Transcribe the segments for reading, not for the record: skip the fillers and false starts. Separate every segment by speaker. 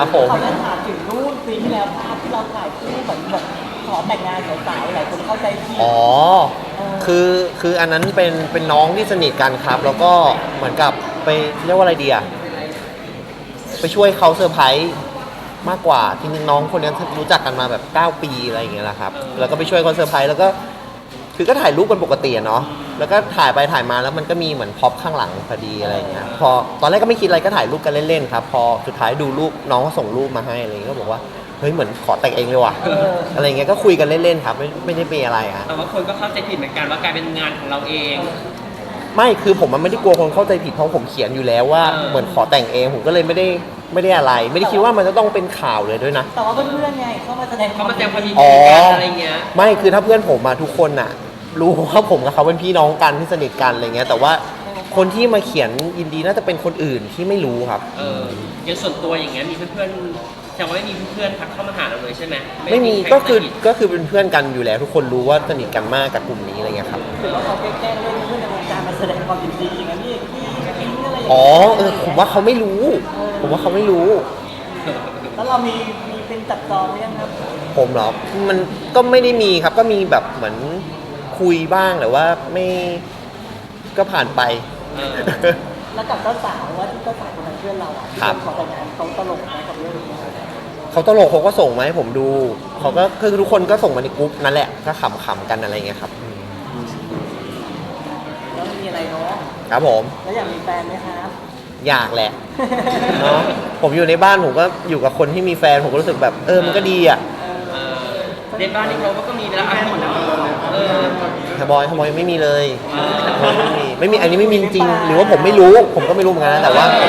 Speaker 1: ครับผม
Speaker 2: เขาจะถามถึงรูปปีที่แล้วภาพที่เราถ่ายคู่เหมือนแบบขอแต่งงานสาวๆหลายคนเข้าใจผิด
Speaker 1: อ๋อคืออันนั้นเป็นน้องที่สนิทกันครับแล้วก็เหมือนกับไปเรียกว่าอะไรดีอะไปช่วยเขาเซอร์ไพรส์มากกว่าที่น้องคนนี้รู้จักกันมาแบบ9ปีอะไรอย่างเงี้ยแหละครับแล้วก็ไปช่วยเขาเซอร์ไพรส์แล้วก็คือก็ถ่ายรูปกันปกติเนาะแล้วก็ถ่ายไปถ่ายมาแล้วมันก็มีเหมือนพ็อปข้างหลังพอดีอะไรอย่างเงี้ยพอตอนแรกก็ไม่คิดอะไรก็ถ่ายรูปกันเล่นๆครับพอสุดท้ายดูรูปน้องก็ส่งรูปมาให้อะไรเงี้ยก็บอกว่าเฮ้ยเหมือนขอแต่งเองเลยว่ะอะไรเงี้ยก็คุยกันเล่นๆครับไม่ได้เป็นอะไรฮะ
Speaker 3: แต่ว่าคนก็เข้าใจผิดเหมือนกันว่ากลายเป็นงานของเราเอง
Speaker 1: ไม่คือผมมันไม่ได้กลัวคนเข้าใจผิดเพราะผมเขียนอยู่แล้วว่าเหมือนขอแต่งเองผมก็เลยไม่ได้อะไรไม่ได้คิดว่ามันจะต้องเป็นข่าวเลยด้วยนะ
Speaker 2: แต่ว่าเพื่อนๆไงเข้ามาแสดง
Speaker 3: เขามาแสดงความยิน
Speaker 1: อ๋
Speaker 3: ดี
Speaker 1: อ
Speaker 3: กันอะไรเงี้ย
Speaker 1: ไม่คือถ้าเพื่อนผมมาทุกคนน่ะรู้ว่าผมกับเขาเป็นพี่น้องกันที่สนิทกันอะไรเงี้ยแต่ว่าคนที่มาเขียนยินดีน่าจะเป็นคนอื่นที่ไม่รู้ครับ
Speaker 3: อย่างส่วนตัวอย่างเงี้ยมีเพื่อนๆแต่ว่าไม่มีเพื่อนๆทักเข้ามาหาเราเลยใช่ไหม
Speaker 1: ไม่มีก็คือเป็นเพื่อนกันอยู่แล้วทุกคนรู้ว่าสนิทกันมากกับกลุ่มนี้อะไรเงี้ยครับ
Speaker 2: ถือว่าเขาแกล้งเล่นเพื่อนในวงการมาแสดงความยินดีอย่างนั้นนี่พี่อะไรอย่าง
Speaker 1: อ๋อ
Speaker 2: เงี้ย
Speaker 1: ผมว่าเขาไม่รู้ผมว่าเขาไม่รู้
Speaker 2: แล้วเรามีเป็นจับจองหรือยังครับ
Speaker 1: ผมเหรอมันก็ไม่ได้มีครับก็มีแบบเหมือนคุยบ้างแต่ว่าไม่ก็ผ่านไป
Speaker 2: แล้วกับเจ้าสาวว่าที่เจ้าสาวคนนั้นเพื่อนเราอ่ะที่ขอแต่งงานเขาตลกไหมกับเรื่องนี้
Speaker 1: เขาตลกเขาก็ส่งมาให้ผมดูเขาก็คือทุกคนก็ส่งมาในกรุ๊ปนั่นแหละก็ขำๆกันอะไรเงี้ยครับ
Speaker 2: แล้วมีอะไรเนาะ
Speaker 1: ครับผม
Speaker 2: แล้วอยากมีแฟนไหมครับ
Speaker 1: อยากแหละเนาะผมอยู่ในบ้านผมก็อยู่กับคนที่มีแฟนผมก็รู้สึกแบบมันก็ดีอ่ะ
Speaker 3: ในบ้านนี่เขาก็มีแล้วหมดแล้ว
Speaker 1: แต่บอยไม่มีเลยไม่มีอันนี้ไม่มีจริงหรือว่าผมไม่รู้ผมก็ไม่รู้เหมือนกันนะแต่ว่าผม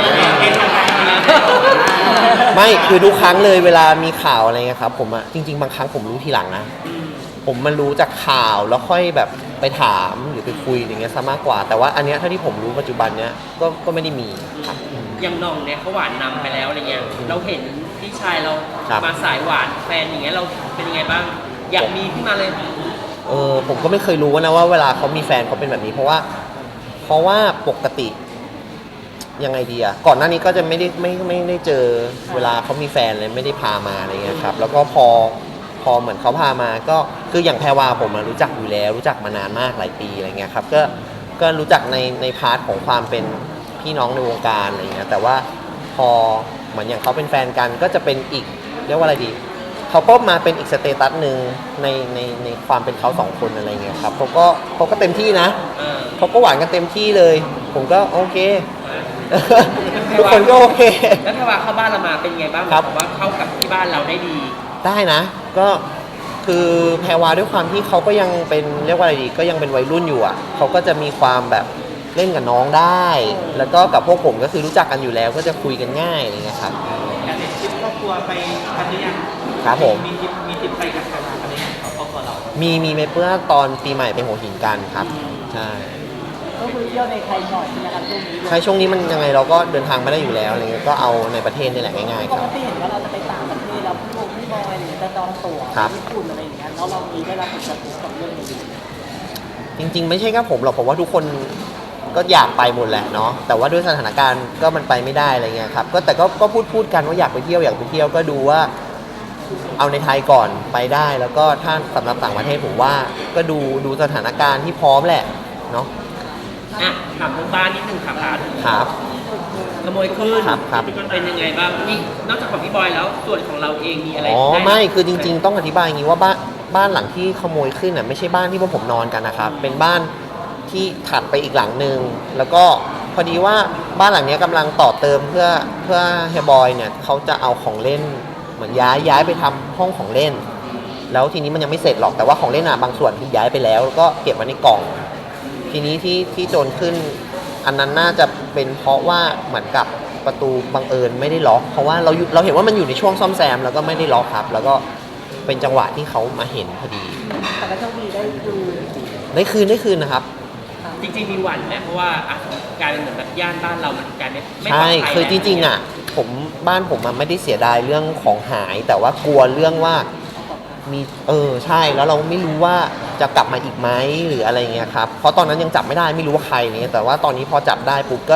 Speaker 1: ไม่คือทุกครั้งเลยเวลามีข่าวอะไรเงี้ยครับผมอะจริงๆบางครั้งผมรู้ทีหลังนะผมมันรู้จากข่าวแล้วค่อยแบบไปถามหรือไปคุยอย่างเงี้ยซะมากกว่าแต่ว่าอันเนี้ยถ้าที่ผมรู้ปัจจุบันเนี้ยก็ไม่ได้มีครับ
Speaker 3: อย่างน้องเนี่ยเขาหวานนำไปแล้วอะไรเงี้ยเราเห็นพี่ชายเรามาสายหวานแฟนอย่างเงี้ยเราเป็นยังไงบ้างอยากมีขึ้นมาเลย
Speaker 1: ผมก็ไม่เคยรู้นะว่าเวลาเขามีแฟนเขาเป็นแบบนี้เพราะว่าปกติยังไงดีอะก่อนหน้านี้ก็จะไม่ได้เจอเวลาเขามีแฟนเลยไม่ได้พามาอะไรเงี้ยครับแล้วก็พอเหมือนเขาพามาก็คืออย่างแพรวาผมรู้จักอยู่แล้วรู้จักมานานมากหลายปีอะไรเงี้ยครับก็รู้จักในพาร์ทของความเป็นพี่น้องในวงการอะไรเงี้ยแต่ว่าพอเหมือนอย่างเขาเป็นแฟนกันก็จะเป็นอีกเรียกว่าอะไรดีเขาก็มาเป็นอีกสเตตัสหนึ่งในความเป็นเขาสองคนอะไรเงี้ยครับเขาก็เต็มที่นะเขาก็หวานกันเต็มที่เลยผมก็โอเคทุกคนก็โอเค
Speaker 3: แล้วถ้าว่าเข้าบ้านเรามาเป็นไงบ้างครับว่าเข้ากับที่บ้านเราได้ดี
Speaker 1: ได้นะก็คือแพรวาด้วยความที่เขาก็ยังเป็นเรียกว่าอะไรดีก็ยังเป็นวัยรุ่นอยู่อ่ะเขาก็จะมีความแบบเล่นกับน้องได้แล้วก็กับพวกผมก็คือรู้จักกันอยู่แล้วก็จะคุยกันง่ายอะไรเงี้ยครับ
Speaker 2: การทริปครอบครัวไปกันหรือยัง
Speaker 1: ครับผม
Speaker 2: มีทริปไปกับแพรวากันหรือยังครอบครัวเรา
Speaker 1: มีเมื่อตอนปีใหม่ไปหัวหินกันครับใช่
Speaker 2: ก็คือเที่ยวในไทยหน่อยใช่ไหมครับช่วงนี้
Speaker 1: ใช่ช่วงนี้มันยังไงเราก็เดินทางไม่ได้อยู่แล้วอะไรเงี้ยก็เอาในประเทศนี่แหละง่ายๆค
Speaker 2: ป
Speaker 1: รับ
Speaker 2: กติเห็นว่าเราจะไปต่างประเทศแล้วพี่บอยหรือจะจองตั๋วญี่ปุ่นอะไรอย่างเงี้ยแล้วเรามีได้รับผลกระทบกับเรื่องนี้
Speaker 1: จริงๆไม่ใช่แค่ผมหรอกผมว่าทุกคนก็อยากไปหมดแหละเนาะแต่ว่าด้วยสถานการณ์ก็มันไปไม่ได้อะไรเงี้ยครับแต่ก็พูดกันว่าอยากไปเที่ยวก็ดูว่าเอาในไทยก่อนไปได้แล้วก็ถ้าสำหรับต่างประเทศผมว่าก็ดูสถานการณ์ที่พร้อมแหละเนาะ
Speaker 3: ถามเรื่องบ้านนิดนึงครับ
Speaker 1: ครับ
Speaker 3: ขโมยขึ้น
Speaker 1: ครับ
Speaker 3: เป็นยังไงบ้างนี่นอกจากของพี่บอยแล้วส่วนของเราเองมีอะไร
Speaker 1: ไม่คือจริงๆต้องอธิบายอย่างนี้ว่าบ้านหลังที่ขโมยขึ้นน่ะไม่ใช่บ้านที่พวกผมนอนกันนะครับเป็นบ้านที่ถัดไปอีกหลังนึงแล้วก็พอดีว่าบ้านหลังนี้กำลังต่อเติมเพื่อเฮียบอยเนี่ยเขาจะเอาของเล่นเหมือนย้ายไปทำห้องของเล่นแล้วทีนี้มันยังไม่เสร็จหรอกแต่ว่าของเล่นบางส่วนที่ย้ายไปแล้วก็เก็บไว้ในกล่องทีนี้ที่โจรขึ้นอันนั้นน่าจะเป็นเพราะว่าเหมือนกับประตูบังเอิญไม่ได้ล็อกเพราะว่าเราเห็นว่ามันอยู่ในช่วงซ่อมแซมแล้วก็ไม่ได้ล็อกครับแล้วก็เป็นจังหวะที่เขามาเห็นพอดี
Speaker 2: แต่ก็โชคดีได้
Speaker 1: คืนนะครับ
Speaker 3: จริงๆมีหวั่นนะเพราะว่าการเป็นเหมือนแบบย่านบ้านเรามันการไม่ปลอดภัย
Speaker 1: ใช่คือจริงๆบ้านผมไม่ได้เสียดายเรื่องของหายแต่ว่ากลัวเรื่องว่ามีใช่แล้วเราไม่รู้ว่าจะกลับมาอีกไหมหรืออะไรเงี้ยครับเพราะตอนนั้นยังจับไม่ได้ไม่รู้ว่าใครเนี่ยแต่ว่าตอนนี้พอจับได้ปุ๊บก็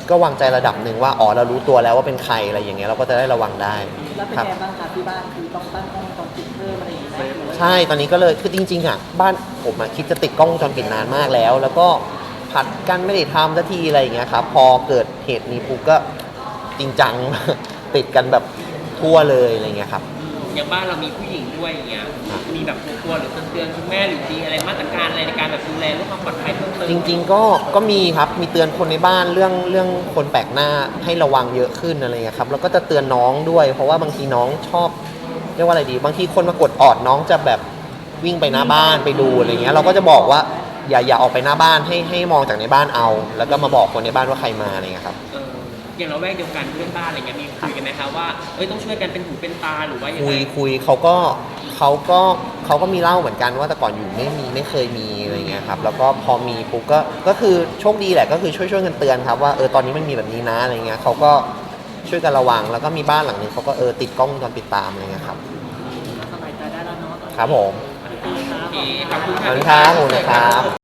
Speaker 1: ก็วางใจระดับหนึ่งว่าอ๋อเรารู้ตัวแล้วว่าเป็นใครอะไรอย่างเงี้ยเราก็จะได้ระวังได้
Speaker 2: แล้วเป็น
Speaker 1: ครับ
Speaker 2: ไงบ้างคะที่บ้านคือต้องตั้งกล้องวงจรปิดเพิ่มอะไรอย่างเงี้ยหรือว่า
Speaker 1: ใช่ตอนนี้ก็เลยคือจริงๆอ่ะบ้านผมอ่ะคิดจะติดกล้องวงจรปิดนานมากแล้ว แล้วก็ผัดกันไม่ได้ทำสักทีอะไรอย่างเงี้ยครับพอเกิดเหตุนี้ปุ๊บก็จริงจัง ติดกันแบบทั่วเลยอะไรเงี้ยครับ
Speaker 3: อย่างบ้านเรามีผู้หญิงด้วยอย่างเงี้ยมีแบบกลัวๆหรือเตือนคุณแม่หรือมีอะไรมาตรการอะไรในการแบบดูแลเรื่องความปลอดภัยเพิ่มเติม
Speaker 1: จริงๆก็มีครับมีเตือนคนในบ้านเรื่องคนแปลกหน้าให้ระวังเยอะขึ้นอะไรเงี้ยครับแล้วก็จะเตือนน้องด้วย เพราะว่าบางทีน้องชอบเรียกว่าอะไรดี บางทีคนมากดออดน้องจะแบบวิ่งไปหน้าบ้านไปดูอะไรเงี้ยเราก็จะบอกว่าอย่าออกไปหน้าบ้านให้มองจากในบ้านเอา แล้วก็มาบอกคนในบ้านว่าใครมาอะไรเงี้ยครับ
Speaker 3: อย่างเราแวกเดียวกันเพื่อนบ้านอะไรเงี้ยมีคุยกันไหมคะว่าเอ้ยต้องช่วยกันเป็นหูเป็นตาหรือว่ายัง
Speaker 1: คุ
Speaker 3: ไง
Speaker 1: ยคุยเขาก็มีเล่าเหมือนกันว่าแต่ก่อนอยู่ไม่เคยมีอะไรเงี้ยครับแล้วก็พอมีปุ๊บก็คือโชคดีแหละก็คือช่วยกันเตือนครับว่าตอนนี้มันมีแบบนี้นะอะไรเงี้ยเขาก็ช่วยกันระวังแล้วก็มีบ้านหลังนึงเขาก็ติดกล้องวงจรปิดตามอะไรเงี้ยครับ
Speaker 2: สบายใจได้แล้วเนาะ
Speaker 1: ครับผม
Speaker 2: โอเคครับ
Speaker 3: โอเคขอบคุณ
Speaker 1: ขอบคุณครับขอบคุณนะครับ